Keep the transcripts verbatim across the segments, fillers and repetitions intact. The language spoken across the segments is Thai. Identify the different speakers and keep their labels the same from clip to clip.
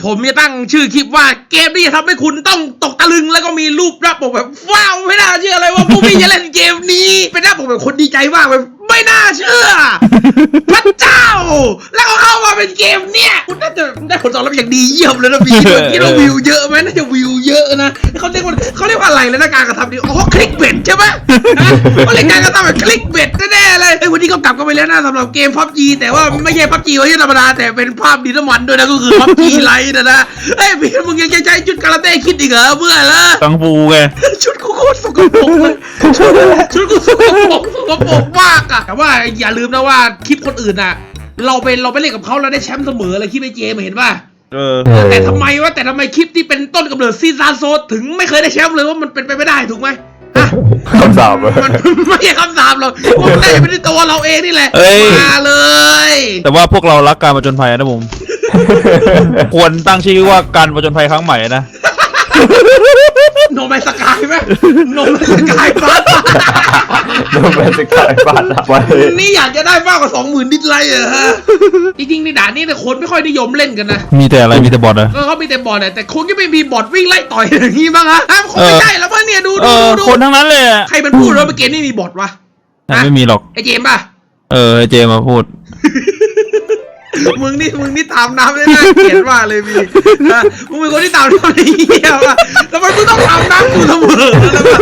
Speaker 1: ผมจะตั้งชื่อคลิปว่าเกมนี้จะทำให้คุณต้องตกตะลึงแล้วก็มีรูปหน้าปกแบบว้าวไม่น่าเชื่อเลยว่าผู้พี่จะเล่นเกมนี้เป็นหน้าปกแบบคนดีใจมากแบบไม่น่าเชื่อพระเจ้าแล้วก็เข้ามาเป็นเกมเนี้ยคุณน่าจะได้ผลตอบรับอย่างดีเยี่ยมเลยนะพี่คิดว่าวิวเยอะไหมน่าจะวิวเยอะนะเขาเรียกว่าเขาเรียกว่าอะไรเลยนะการกระทำนี้อ๋อคลิกเบ็ดใช่ไหมเขาเรียกการกระทำแบบคลิกเบ็ดแน่ๆเลยไอ้วันนี้ก็กลับกันไปแล้วนะสำหรับเกมพับจีแต่ว่าไม่ใช่พับจีไม่ใช่ธรรมดาแต่เป็นภาพดินน้ำมันด้วยนะก็คือพับจีไลท์นะนะเอ้ยพี่มึงยังจะใช้ชุดคาราเต้คิดอีกเหรอเพื่อนละ
Speaker 2: กังฟูไง
Speaker 1: ชุดกูโคตรสกปรกเลยชุดกูสกปรกสกปรกมากอะแต่ว่าอย่าลืมนะว่าคลิปคนอื่นอะเราไปเราไปเล่นกับเขาเราได้แชมป์เสมอเลยคลิปไอเจมเห็นป่ะ
Speaker 2: เออ
Speaker 1: แต่ทำไมวะแต่ทำไมคลิปที่เป็นต้นกำเนิดซีซานโซถึงไม่เคยได้แชมป์เลยว่ามันเป็นไปไม่ได้ถูกไหม
Speaker 3: คำสาป
Speaker 1: มันไม่ใช่คำสาปหรอกมันได้เป็นตัวเราเองนี่แหละมาเลย
Speaker 2: แต่ว่าพวกเรารักการผจญภัยนะผมควรตั้งชื่อว่าการผจญภัยครั้งใหม่นะ
Speaker 1: โนแมนสกายไหมโนแมนสกายบ้า
Speaker 3: โนแมนสกายบ้า
Speaker 1: นี่อยากจะได้มากกว่าสองหมื่นดิสไลค์เหรอฮะจริงๆในด่านนี้แต่คนไม่ค่อยนิยมเล่นกันนะ
Speaker 2: มีแต่อะไรมีแต่บอทนะ
Speaker 1: ก็เขามีแต่บอทแต่คนก็ไม่มีบอทวิ่งไล่ต่อยอย่างนี้บ้างฮะคงไม่ใช่แล้วมั้งเนี่ยดูดูดู
Speaker 2: คนทั้งนั้นเลย
Speaker 1: ใครมันพูดว่าเกมนี้มีบอทวะ
Speaker 2: ไม่มีหรอก
Speaker 1: ไอเจมป่ะ
Speaker 2: เออไอเจมมาพูด
Speaker 1: มึงนี่มึงนี่ตามน้ำได้น่าเกลียดมากเลยพี่มึงเป็นคนที่ตามน้ำได้เหี้ยว่ะแต่มันมึงต้องตามน้ำกูเสมอ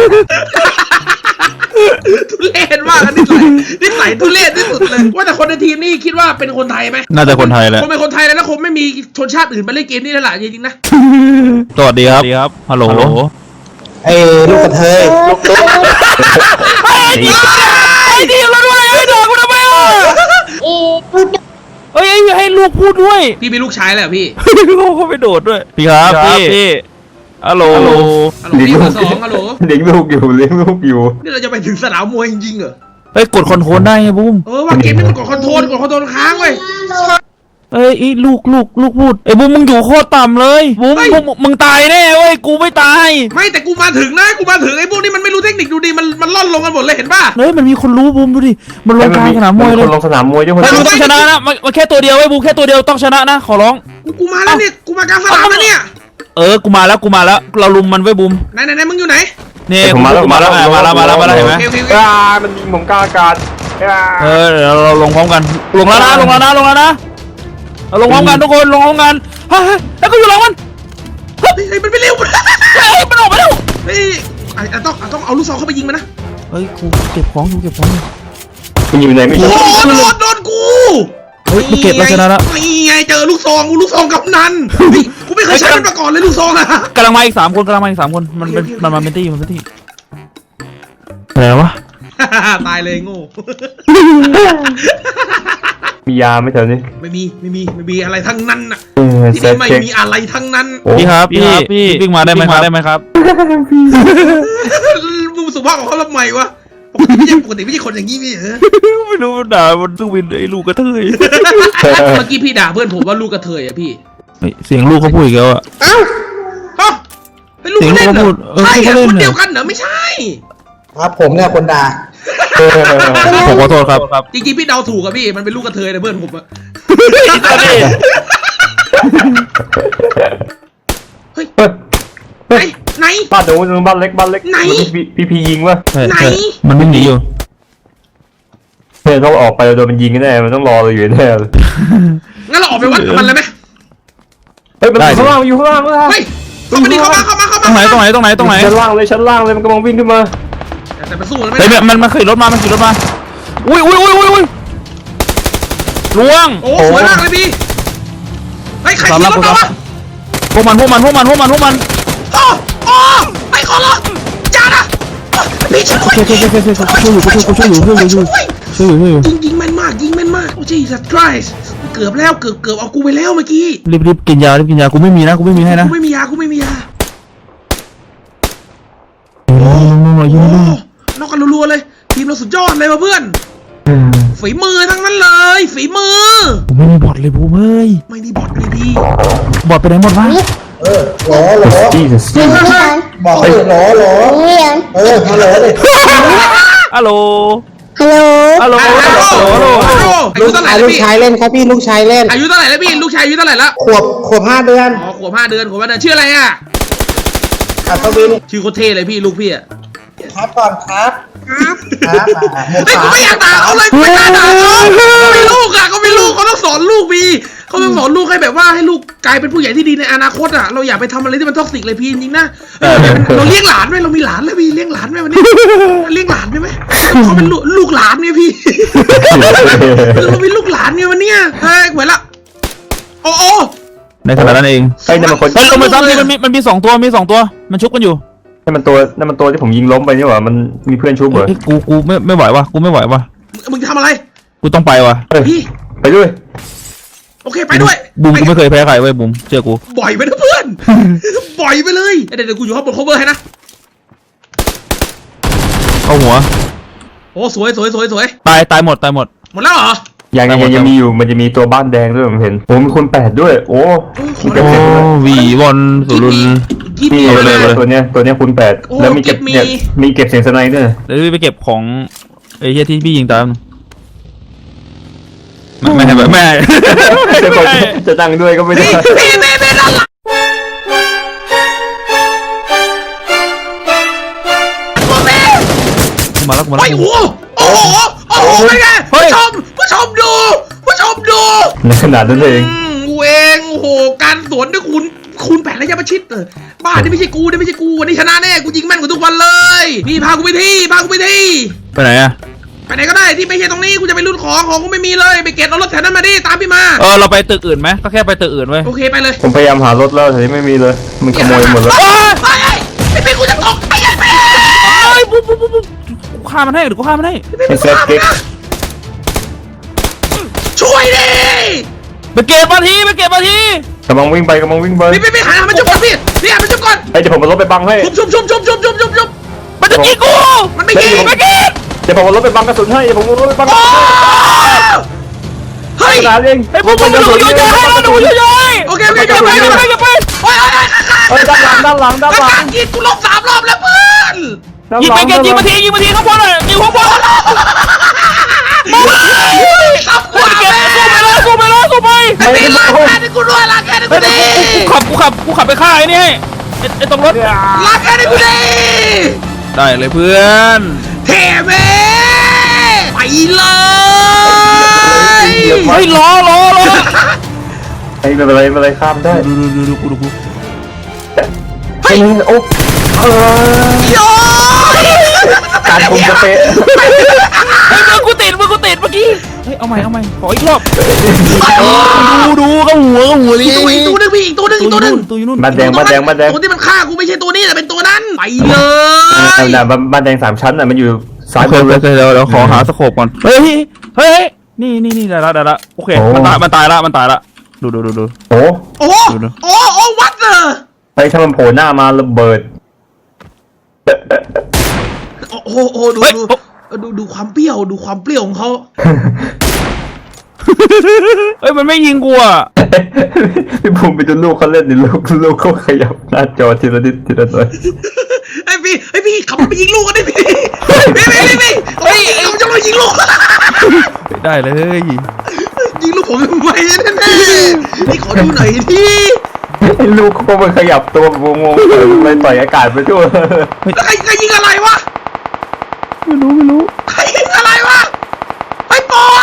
Speaker 1: ทุเรศมากนิสัยนิสัยทุเรศที่สุดเลยว่าแต่คนในทีมนี่คิดว่าเป็นคนไทยไหม
Speaker 2: น่าจะคนไทยแหละ
Speaker 1: คนเป็นคนไทยแล้วคงไม่มีชนชาติอื่นมาเล่นเกมนี้แล้วล่ะจริงๆนะ
Speaker 2: สวัสดีครับครับฮัลโหล
Speaker 4: ไอ้ลูกกระเทยลูกตุ๊ก
Speaker 2: ไอ้ดีไอ้ดีเราด้วยไอ้ดอกกูทำไมอ่ะเอ้ยให้ลูกพูดด้วย
Speaker 1: พี่มีลูกชายแล้วพี่
Speaker 2: ลูกเขาไปโดดด้วยพี่ครับพี่ฮัลโหลฮัลโหล
Speaker 1: พี่เบอร์สองฮัลโหล
Speaker 3: เลี้ยงลูกอยู่เลี้ยงลูกอยู่
Speaker 1: นี่เราจะไปถึงสนามมวยจริงๆเหรอ
Speaker 2: เฮ้ยกดคอนโทรลได้ไงบุ้ม
Speaker 1: เออว่าเกมนี้มันกดคอนโทรลกดคอนโทรลค้างเว้ย
Speaker 2: เอ้ยลูกลูกลูกพูดไอ้บุ้มมึงอยู่โคตรต่ำเลยบุ้มมึงตายแน่เว้ยกูไม่ตาย
Speaker 1: ไม่แต่กูมาถึงนะกูมาถึงไอ้พวกนี้มันไม่รู้เทคนิคดูดิมันมันล่อนลงกันหมดเลยเห็นป่ะ
Speaker 2: เฮ้ยมันมีคนรู้บุ้มดูดิมันลงกลางสนามมวยเลย
Speaker 3: ลงสนามมวยด้วยคน
Speaker 2: ต้องชนะนะมันแค่ตัวเดียวไอ้บุ้มแค่ตัวเดียวต้องชนะนะขอร้อง
Speaker 1: กูมาแล้วเนี่ยกูมากลางสนามแล้วเนี่ย
Speaker 2: เออกูมาแล้วกูมาแล้วเราลุมมันไว้บุ้ม
Speaker 1: ไหนไหนไหนมึงอยู่ไหน
Speaker 2: เนี่ยมาแล้วมาแล้วมาแล้วมาแล้วมาแล้วเห็นไหม
Speaker 3: อ่ามันยิงผมกลางอากาศ
Speaker 2: เออเดี๋ยวเราลงพร้อมกันลงแล้วนะลงแล้วนะลงแล้วนะเราลงพร้อมกันทุกคนลงพร้อมกันเฮ้ยแล้วก็อยู่หลังมัน
Speaker 1: เฮ้ยมันไม่เร็ว
Speaker 2: เฮ้ยมันออกมาแล้ว
Speaker 1: เฮ้ยต้องต้องเอาลูกซองเข้าไปยิงมันนะ
Speaker 2: เฮ้ยกูเก็บของกูเก็บของ
Speaker 3: มันอยู่ไหนไม่รู้
Speaker 1: โดนโดนกู
Speaker 2: เฮ้ยเก็บแล้วชนะแล้ว
Speaker 1: นี่ไงเจอลูกซองลูกซองกับนันกูไม่เคยใช้มันมาก่อนเลยลูกซองอะ
Speaker 2: กำลังมาอีกสามคนกำลังมาอีกสามคนมันเป็นมันมาเป็นตี้มันเป็นตี้อะไรวะ
Speaker 1: ตายเลยโง่
Speaker 3: มียาไหมแถวนี้
Speaker 1: ไม่มีไม่มีไม่มีอะไรทั้งนั้นน่ะที่นี่ไม่มีอะไรทั้งนั้น
Speaker 2: พี่ครับพี่พี่วิ่งมาได้ไหมครับได้ไหมครับ
Speaker 1: มึงสุภาพของเขาทำไมวะปกติไม่ใช่ปกติไม่ใช่คนอย่างนี้ไม่เหรอ
Speaker 2: ไม่รู้ด่ามันตู้วินไอ้ลูกกระเทย
Speaker 1: เมื่อกี้พี่ด่าเพื่อนผมว่าลูกกระเทยอะพี่
Speaker 2: เสียงลูกเขาพูดอีกแล้วอะ
Speaker 1: เอ้าฮะเป็นลูกเล่นเหรอใช่คนเดียวกันเหรอไม่ใช่
Speaker 4: ครับผมเนี่ยคนด่า
Speaker 2: ผมขอโทษครับ
Speaker 1: จริงๆพี่เดาถูกอะพี่มันเป็นลูกกระเทยนะเพื่อนผมอะเฮ้ยไหนไหน
Speaker 3: บ้านหนูบ้านเล็กบ้านเล็ก
Speaker 1: ไหน
Speaker 3: พี่พียิงวะ
Speaker 1: ไหน
Speaker 2: มันไม่หนีอยู่
Speaker 3: เพื่อนต้องออกไปโดนมันยิงแน่มันต้องรอเราอยู่แน่
Speaker 1: งั้นเราออกไปวัดกับมันเลยไหม
Speaker 3: เฮ้ยมันข้างล่างอยู่ข้างล่าง
Speaker 1: เฮ้ยเข้ามาดิเข้ามาเข้ามาเข้ามา
Speaker 2: ตรงไหนตรงไหนตรงไหนตรงไหน
Speaker 3: ชั้นล่างเลยชั้นล่างเลยมันกำลังวิ่งขึ้นมา
Speaker 1: แต่มันสู้มันไม่
Speaker 2: ได้มันมันขี่รถมามันขี่รถมาอุ้ยอุ้ยอุ้ยอุ้ยอุ้ยล่วง
Speaker 1: โอ้สวยมากเลยพี่ไอ้ใครขี่รถมาวะ
Speaker 2: พวกมันพวกมันพวกมันพวกมันพวกมัน
Speaker 1: โอ้โอ้ไอ้ขอร้องจ้านะพี่ช่วยช่วยช่วยช่วยช่วยช่วยช่วยอยู่ช่วยอยู่ช่วยอยู่ช่วยอยู่ช่วยอยู่ช่วยอยู่ยิงยิงแม่นมากยิงแม่นมากโอ้จีสัตว์ไกรส์เกือบแล้วเกือบเกือบเอากูไปแล้วเมื่อกี้
Speaker 2: รีบรีบกินยารีบกินยากูไม่มีนะกูไม่มีให้นะ
Speaker 1: กูไม่มียากูไม่มียา
Speaker 2: โอ้โห
Speaker 1: นอกกันรัวๆเลยทีมเราสุดยอดเลยว่ะเพื่อนฝีมือทั้งนั้นเลยฝีมือ
Speaker 2: ไม่มีบอทเลยบูเฮ้ย
Speaker 1: ไม่มีบอทเลยพี่
Speaker 2: บอทไปไหนหมดวะ
Speaker 4: เออหลอหลอบอกเลยหลอหลอเออฮัลโหลเลย
Speaker 2: ฮัลโหล
Speaker 5: ฮัลโหล
Speaker 2: ฮัลโหล
Speaker 1: ฮัลโหล
Speaker 2: ฮัลโหลฮัลโหล
Speaker 1: อา
Speaker 4: ลู
Speaker 1: ยุ
Speaker 4: ก
Speaker 1: เท่าไหร่
Speaker 4: ชาย
Speaker 1: แล้ว
Speaker 4: ลูก
Speaker 1: พี่
Speaker 4: ชายเล่นครับพี่ลูกชายเล่น
Speaker 1: อายุเท่าไหร่แล้วพี่ลูกชายอายุเท่าไหร่แล้ว
Speaker 4: ขวบขวบห้าเดือน
Speaker 1: อ๋อขวบห้าเดือนขวบห้าเดือนชื่ออะไรอ่ะ
Speaker 4: อัศวิน
Speaker 1: ชื่อโคตรเท่เลยพี่ลูกพี่อ่ะ
Speaker 4: ครับก่อนครับครับครับอ่าหมวก
Speaker 1: เฮ้ย
Speaker 4: สา
Speaker 1: กูไม่อยากด่าเขาเลยกูไม่กล้าด่าเขาเขามีลูกอ่ะเขามีลูกเขาต้องสอนลูกพี่เขาต้องสอนลูกให้แบบว่าให้ลูกกลายเป็นผู้ใหญ่ที่ดีในอนาคตอ่ะเราอย่าไปทำอะไรที่มันท็อกซิกเลยพี่จริงๆนะเราเลี้ยงหลานไหมเรามีหลานแล้วพี่เลี้ยงหลานไหมวันนี้เลี้ยงหลานได้ไหมเขาเป็นลูกลูกหลานเนี่ยพี่เราเป็นลูกหลานเนี่ยวันเนี้ยเฮ้ยเหมือนละโอ้โอ้
Speaker 2: ในขณะนั้นเอง
Speaker 3: ไอ้นั่นมันคน
Speaker 2: เฮ้ยลงมาซ้ำดิมันมีมันมีสองตัวมีสองตัวมันชุบกันอยู่
Speaker 3: นั่นมันตัวนั่นมันตัวที่ผมยิงล้มไปนี่หว่ามันมีเพื่อนชุบเหรอ
Speaker 2: เฮ้ยกูกูไม่ไม่ไหววะกูไม่ไหววะ
Speaker 1: มึงจะทำอะไร
Speaker 2: กูต้องไปวะ
Speaker 3: เฮ้ย
Speaker 1: พี่
Speaker 3: ไปด้วย
Speaker 1: โอเคไปด้วย
Speaker 2: บุมกูไม่เคยแพ้ใครเว้ยบุมเชื่อกู
Speaker 1: บ่อยไปนะเพื่อน บ่อยไปเลยเดี๋ยวเดี๋ยวกูอยู่ข้างบน cover ให้นะ
Speaker 2: เข้าหัว
Speaker 1: โอ้สวยสวยสวยสวย
Speaker 2: ตายตายหมดตายหมด
Speaker 1: หมดแล้วเหรอ
Speaker 3: ยังยังยังยังมีอยู่มันจะมีตัวบ้านแดงด้วยผมเห็นโอ้มีคนแปดด้วยโอ้มีเต็ม
Speaker 2: โอ้
Speaker 3: เต็มเลย
Speaker 2: วีวอนสุรุน
Speaker 1: กิฟ
Speaker 3: นี่
Speaker 1: มี
Speaker 3: เล
Speaker 1: เลย ย
Speaker 3: ตัวเนี้ยตัวเนี้ยคุณแปด
Speaker 1: โอ้
Speaker 3: แล้วมีเก็บ
Speaker 1: เก็บมี
Speaker 3: เนี่ยมีเก็บเสียงสไนด์ด้วย
Speaker 2: เดี๋ยวไปเก็บของไอ้เหี้ยที่พี่ยิงตามแม่แม่แบบแม่
Speaker 3: จะบอกจะนั่งด้วยก็ไม่ได้
Speaker 1: พี่พี่พี่พี่ด้านหลังตัวแม่
Speaker 2: มาแล้วมา
Speaker 1: ไป
Speaker 2: แล้ว
Speaker 1: โอ้โหโอ้โหโอ้โหเป็นไง
Speaker 2: เฮ้
Speaker 1: ผู้
Speaker 2: ย
Speaker 1: ชมผู้ชมดูผู้ชมดู
Speaker 3: ในขนาดนั้นเอง
Speaker 1: อืมกูเองโอ้โหการสวนด้วยคุณคุณแปดระยะประชิดเออบ้านี่ไม่ใช่กูนี่ไม่ใช่กูวันนี้ชนะแน่กูยิงแม่นกว่าทุกวันเลยนี่พากูไปที่พากูไปที่
Speaker 2: ไปไหนอะ
Speaker 1: ไปไหนก็ได้ที่ไม่ใช่ตรงนี้กูจะไปรุ่นของของกูไม่มีเลยไปเก็บเอารถแถวนั้นมาดิตามพี่มา
Speaker 2: เออเราไปตึกอื่นไหมก็แค่ไปตึกอื่นเว้ย
Speaker 1: โอเคไปเลย
Speaker 3: ผมพยายามหารถแล้วแต่ไม่มีเลยมันขโมยหมดแล้ว
Speaker 1: เฮ้ยเฮ้ยไอ้พี่กูจะตกไอ้ยันแม่
Speaker 2: เอ้ยปุ๊บปุ๊บปุ๊บปุ๊บกูฆ่ามันให้เดี๋ยวกูฆ่ามันให้
Speaker 3: ไอ้แซดเก๊ก
Speaker 1: ช่วยดิ
Speaker 2: ไปเก็บมาทีไปเก็บมาที
Speaker 3: กำลังวิ่งไปกำลังวิ่งไป
Speaker 1: พี่พี่พี่หันมาจุบก่อนพี่พี่หันมาจุบก่อน
Speaker 3: ไอ้เดี๋ยวผมเอารถไปบังให้
Speaker 1: ชุบชุบชุบชุบชุบชุบชุบชุบ
Speaker 2: มันจะยิงกู
Speaker 1: มันไม่ยิง
Speaker 2: ไม่ยิง
Speaker 3: เดี๋ยวผมเอารถไปบังกระสุนให้เดี๋ยวผมเอารถไปบังกระ
Speaker 1: โอ้
Speaker 3: สุน
Speaker 1: เฮ้ย
Speaker 3: ขนาดเอง
Speaker 2: ไอ้พวกมึงดูกูอยู่ใจให้ดูอยู่ใจ
Speaker 1: โอเคโอเคอย่าไปอย่าไปอย่าไปโอ้ย
Speaker 3: เฮ้ยด้านหลังด้านหลังด้านหลัง
Speaker 1: กินกูลบสามรอบแล้วเพื่อน
Speaker 2: ยิงไปเก็บยิงมาทียิงมาทีข้างบนเลยยิงข้างบน
Speaker 1: ขับกว่า
Speaker 2: เก็บ
Speaker 1: แม่
Speaker 2: สู้ไปเลยสู้ไปเลยสู้ไป
Speaker 1: ไอ้พี่รักแค่นี้กูด้วยรักแค่นี้กูดิ
Speaker 2: กูขับกูขับกูขับไปฆ่าไอ้นี่ให้ไอ้ตรงรถ
Speaker 1: รักแค่นี้กูดิ
Speaker 2: ได้เลยเพื่อน
Speaker 1: เท่แม่ไปเลย
Speaker 2: เฮ้ยล้อล้อล้อ
Speaker 3: ไอ้ไม่เป็นไรไม่เป็นไรข้ามได้
Speaker 2: ดูดูดูกูดูกู
Speaker 3: ไอ้โอ้เออ
Speaker 1: โย
Speaker 3: การคุมสเปซ
Speaker 2: เฮ้ยมือกูติดมือกูติดเมื่อกี้เฮ้ยเอาใหม่เอาใหม่ขออีกรอบดูดูก็หัวก็หัว
Speaker 1: อีกตัวอีกตัวนึงพี่อีกตัวนึงอีกตัวนึง
Speaker 2: ตัวอยู่นู่น
Speaker 3: บ้านแดงบ้านแดงบ้านแดง
Speaker 1: ตัวที่มันฆ่ากูไม่ใช่ตัวนี้แต่เป็นตัวนั้นไปเลย
Speaker 3: น่ะบ้านแดงสามชั้นน่ะมันอยู่ซ้าย
Speaker 2: โอบ เคน โอ
Speaker 3: เลย
Speaker 2: เคเดี๋ยวเดี๋ยวขอหาสโคปก่อนเฮ้ยเฮ้ยนี่นี่นี่ได้ละได้ละโอเคมันตายมันตายละมันตายละดูดูดูดู
Speaker 3: โอ้
Speaker 1: โอ้โหโอ้โอ้วัดเลย
Speaker 3: ไอ้ถ้ามันโผล่หน้ามาระเบิด
Speaker 1: โอ้โหโอ้ดูดูดูดูความเปรี้ยวดูความเปรี้ยวของเขา
Speaker 2: เฮ้ยมันไม่ยิงกูอ่ะ
Speaker 3: พี่ภูมิไปดูลูกเขาเล่นดิลูกลูกเขาขยับหน้าจอทีละนิดทีละหน่อย
Speaker 1: ไอ้พี่ไอ้พี่ขับรถไปยิงลูกกันดิพี่พี่พี่พี่พี่เฮ้ยเราจะมายิงลูก
Speaker 2: ได้เลย
Speaker 1: ยิงลูกผมทำไมแน่ๆนี่ขอดูหน่อยดิ
Speaker 3: ไอ้ลูกเขามันขยับตัวงงๆไปต่อยอากาศไปทั่ว
Speaker 1: แล้วใครใครยิงอะไรวะ
Speaker 2: ไม่รู้ไม่รู้
Speaker 1: ใครยิงอะไรวะไอ้ปอ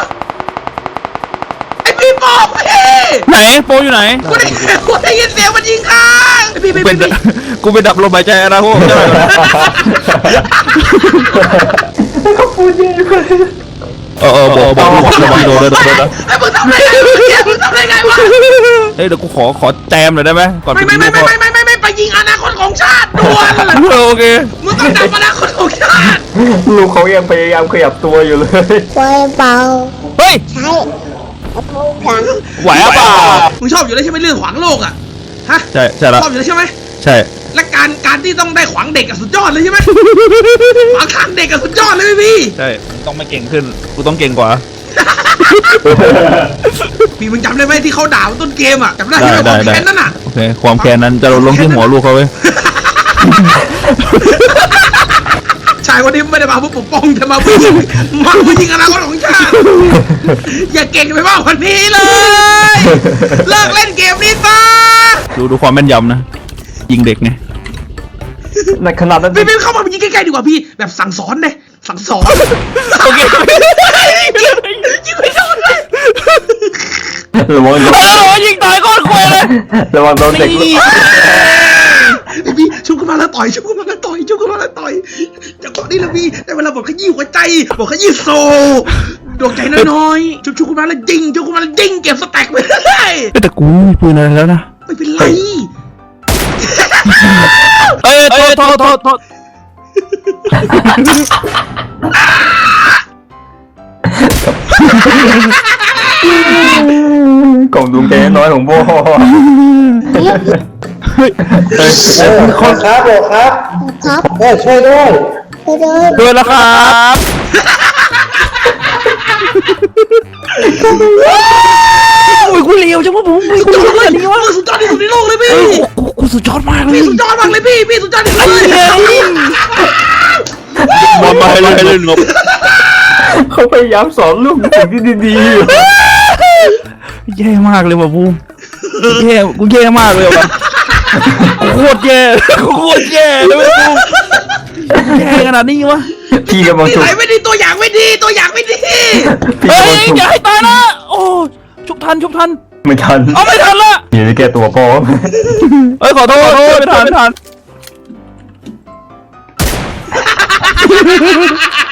Speaker 1: ไอ้พี่ปอพี่
Speaker 2: ไหนโปอยู่ไหน
Speaker 1: กูได้กูได้ยินเสียงมันยิงข้างไอ้พี่
Speaker 2: กู
Speaker 1: พี่
Speaker 2: เป็น
Speaker 1: พี่
Speaker 2: กูเป็นดับลมหายใจนะพวก
Speaker 3: เขาพูดเยอะเลย
Speaker 2: เออเออบอกบอกบอกบอกโดนโดนโดน
Speaker 1: ไอ้มึงทำได้ไงมึงทำได้ไงวะ
Speaker 2: เฮ้ยเดี๋ยวกูขอขอแจมหน่อยได้ไหมก่อน
Speaker 1: ไม่ไม่ไม่ไม่ไม่ไม่ไม่ไปยิงอนาคตของชาติด่วน
Speaker 2: โอเค
Speaker 1: มึงต้องดับอนาคตของชาติ
Speaker 3: ลูกเขายังพยายามขยับตัวอยู่เลย
Speaker 5: ไฟเบา
Speaker 2: เฮ้ย
Speaker 5: ใช้กระโปรงกัน
Speaker 2: ไหวอ่ะเปล่า
Speaker 1: มึงชอบอยู่แล้วใช่ไหมเรื่องขวางโลกอ่ะฮะ
Speaker 2: ใช่ใช่ละ
Speaker 1: ชอบอยู่แล้วใช่ไหม
Speaker 2: ใช่
Speaker 1: และการการที่ต้องได้ขวางเด็กอะสุดยอดเลยใช่ไหมขวางทางเด็กอะสุดยอดเลยพี่
Speaker 2: ใช่ต้องไม่เก่งขึ้นกูต้องเก่งกว่า
Speaker 1: พี่มึงจำได้ไหมที่เขาด่าต้นเกมอ่ะจำได้ใช่ไหมความแค้นนั่นอ่ะ
Speaker 2: โอเคความแค้นนั้นจะลงที่หัวลูกเขาเว้ย
Speaker 1: ชชายคนนี้ไม่ได้มาเพื่อปกป้องแต่มาเพื่อยิงมาเพื่อยิงอนาคตของชาติอย่าเก่งไปมากกว่านี้เลยเลิกเล่นเกมนี้ซะ
Speaker 2: ดูดูความแม่นยำนะยิงเด็กไง
Speaker 3: ในขนาดนั้น
Speaker 1: พี่พี่เข้ามายิงใกล้ๆดีกว่าพี่แบบสั่งสอนเลยสั่งสอน
Speaker 2: โอเค
Speaker 1: ยิงไม่โดนเลย
Speaker 3: ระวังโดน
Speaker 2: โอ้โหยิงตายก้อนควยเลย
Speaker 3: ระวังโดนเด็ก
Speaker 2: นี่
Speaker 1: พี่ชุบขึ้นมาแล้วต่อยชุบขึ้นมาแล้วต่อยชุบขึ้นมาแล้วต่อยจังหวะนี้แหละพี่แต่เวลาบอกขยี้หัวใจบอกขยี้โซ่ดวงใจน้อยๆชุบชุบขึ้นมาแล้วยิงชุบขึ้นมาแล้วยิงเก็บสแต็กไปเลย
Speaker 2: แต่กูไม่มีปืนอะไรแล้วนะ
Speaker 1: ไม่เป็นไร
Speaker 2: เอ้ยโทษโทษโทษโทษ
Speaker 3: กล่องดวงใจน้อยของโบ
Speaker 4: เออคนครับโบครับ
Speaker 5: ครับ
Speaker 4: เออช่วยด้วย
Speaker 5: ไปเลย
Speaker 2: ช่วยแล้วครับ โอ้ยกูเลวจังวะผมกู
Speaker 1: สุดยอดเลย
Speaker 2: นี่วะ
Speaker 1: สุดยอดที่สุดในโลกเลยพี่
Speaker 2: กูกูสุดยอดมากเลย
Speaker 1: พี่สุดยอดมากเลยพี่พี่สุดยอดที่สุดเลย
Speaker 2: มามาให้เล่นให้เล่นงบ
Speaker 3: เขาพยายามสอนลูกสิ่งที่ดีๆอยู่
Speaker 2: แย่มากเลยว่ะบูมแย่กูแย่มากเลยว่ะกูโคตรแย่กูโคตรแย่เลยว่ะบูมแย่ขนาดนี้วะ
Speaker 3: พี่กำลัง
Speaker 1: นิ
Speaker 3: ฉุก
Speaker 1: สัยไม่ดีตัวอย่างไม่ดีตัวอย่างไม่ดี
Speaker 3: พี่
Speaker 2: เฮ้
Speaker 3: กำลั
Speaker 2: ย
Speaker 3: งฉุก
Speaker 2: อย่าให้ตายนะโอ้ชุบทันชุบทัน
Speaker 3: ไม่ทัน
Speaker 2: เอาไม่ทันละ
Speaker 3: เดี๋ยวจะแก้ตัวพ่อ
Speaker 2: เอ้ยขอโทษขอโทษไม่ทันไม่ทัน